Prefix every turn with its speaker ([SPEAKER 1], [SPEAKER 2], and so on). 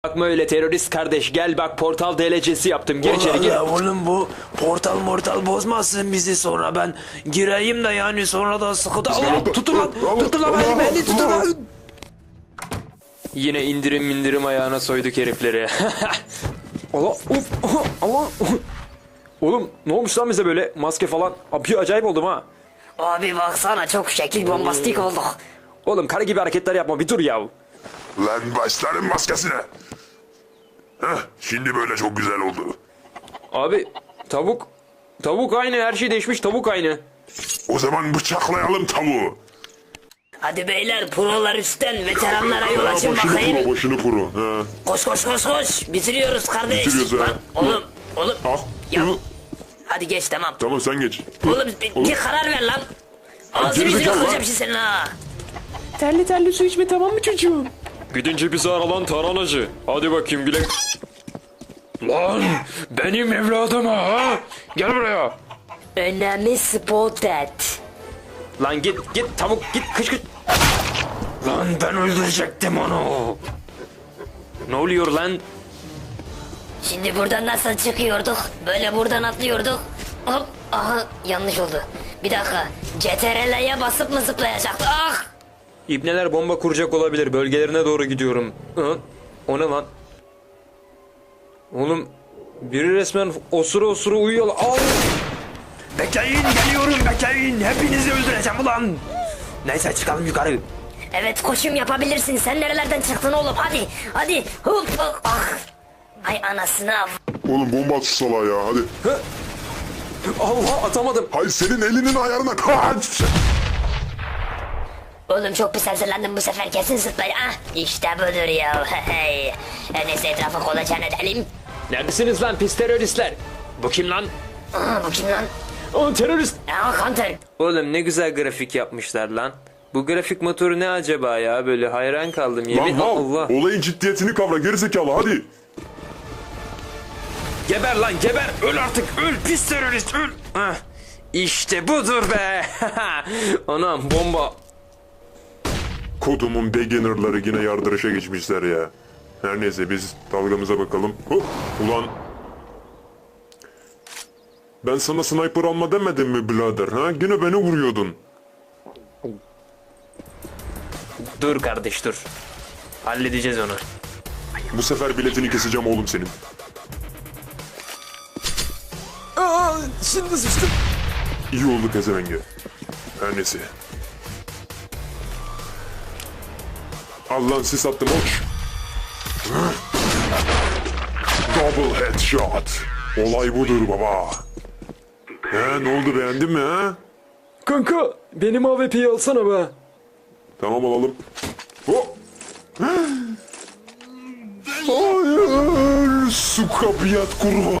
[SPEAKER 1] Bakma öyle terörist kardeş, gel bak portal DLC'si yaptım, gir içeri gir.
[SPEAKER 2] Allah oğlum bu portal mortal bozmasın bizi, sonra ben gireyim de yani sonra da sıkıntı. Allah tutun lan beni tutun lan.
[SPEAKER 1] Yine indirim ayağına soyduk herifleri. Allah Allah. Oğlum ne olmuş lan bize böyle maske falan? Abi acayip oldum ha.
[SPEAKER 3] Abi baksana çok şekil bombastik olduk.
[SPEAKER 1] Oğlum karı gibi hareketler yapma, bir dur ya.
[SPEAKER 4] Lan başların maskesine. Heh, şimdi böyle çok güzel oldu.
[SPEAKER 1] Abi tavuk aynı, her şey değişmiş, tavuk aynı.
[SPEAKER 4] O zaman bıçaklayalım tavuğu.
[SPEAKER 3] Hadi beyler prolar üstten veteranlara yol açın
[SPEAKER 4] Başını
[SPEAKER 3] bakayım.
[SPEAKER 4] kuru, başını kuru. He.
[SPEAKER 3] Koş. Bitiriyoruz kardeş.
[SPEAKER 4] Bitiriyoruz ha.
[SPEAKER 3] Lan, oğlum.
[SPEAKER 4] Al.
[SPEAKER 3] Ya. Hadi geç tamam.
[SPEAKER 4] Tamam sen geç.
[SPEAKER 3] Oğlum bir karar ver lan. Ağzını yüzünü
[SPEAKER 4] gerizekalı lan.
[SPEAKER 3] kıracağım şimdi senin ha.
[SPEAKER 1] Terli su içme, tamam mı çocuğum? Gidince bizi ara lan taranacı. Hadi bakayım güle. Lan benim evladım ha. Gel buraya.
[SPEAKER 3] Önemli spotted.
[SPEAKER 1] Lan git tavuk git kış. Lan ben öldürecektim onu. Ne oluyor lan?
[SPEAKER 3] Şimdi buradan nasıl çıkıyorduk? Böyle buradan atlıyorduk. Hop. Aha yanlış oldu. Bir dakika. CTRL'ye basıp mı zıplayacaktık? Ah!
[SPEAKER 1] İbneler bomba kuracak olabilir. Bölgelerine doğru gidiyorum. Hı? O ne lan? Oğlum biri resmen osura uyuyor. Al!
[SPEAKER 2] Bekleyin, geliyorum, bekleyin, hepinizi öldüreceğim ulan. Neyse çıkalım yukarı.
[SPEAKER 3] Evet koşum yapabilirsin. Sen nerelerden çıktın oğlum? Hadi. Hop. Ah. Ay anasını av.
[SPEAKER 4] Oğlum bomba at şu salağa ya hadi.
[SPEAKER 1] Allah atamadım.
[SPEAKER 4] Hayır senin elinin ayarına kaç.
[SPEAKER 3] Oğlum çok pis hazırlandım bu sefer, kesin zıplay. Ah işte budur ya. Hey. Neyse etrafı kolaçan edelim.
[SPEAKER 1] Neredesiniz lan pis teröristler? Bu kim lan?
[SPEAKER 3] Aa, bu kim lan?
[SPEAKER 1] O terörist.
[SPEAKER 3] Aa, Hunter.
[SPEAKER 1] Oğlum ne güzel grafik yapmışlar lan. Bu grafik motoru ne acaba ya? Böyle hayran kaldım.
[SPEAKER 4] Lan
[SPEAKER 1] Yemin
[SPEAKER 4] mal.
[SPEAKER 1] Allah.
[SPEAKER 4] Olayın ciddiyetini kavra gerizekalı hadi.
[SPEAKER 1] Geber lan geber. Öl artık. Öl pis terörist öl. Hah. İşte budur be. Anam bomba.
[SPEAKER 4] Kodumun beginnerları yine yardırışa geçmişler ya. Her neyse biz dalgamıza bakalım. Hop. Ulan. Ben sana sniper alma demedim mi birader ha? Yine beni vuruyordun.
[SPEAKER 1] Dur kardeş dur. Halledeceğiz onu.
[SPEAKER 4] Bu sefer biletini keseceğim oğlum senin.
[SPEAKER 1] Aa, şimdi sıçtım.
[SPEAKER 4] İyi oldu pezevenge. Her neyse. Allah sis attım hoş. Double headshot. Olay budur baba. He ne oldu beğendin mi ha?
[SPEAKER 1] Kanka benim AWP'yi alsana be.
[SPEAKER 4] Tamam alalım. Hop. Hayır. Su kapıyat kurban.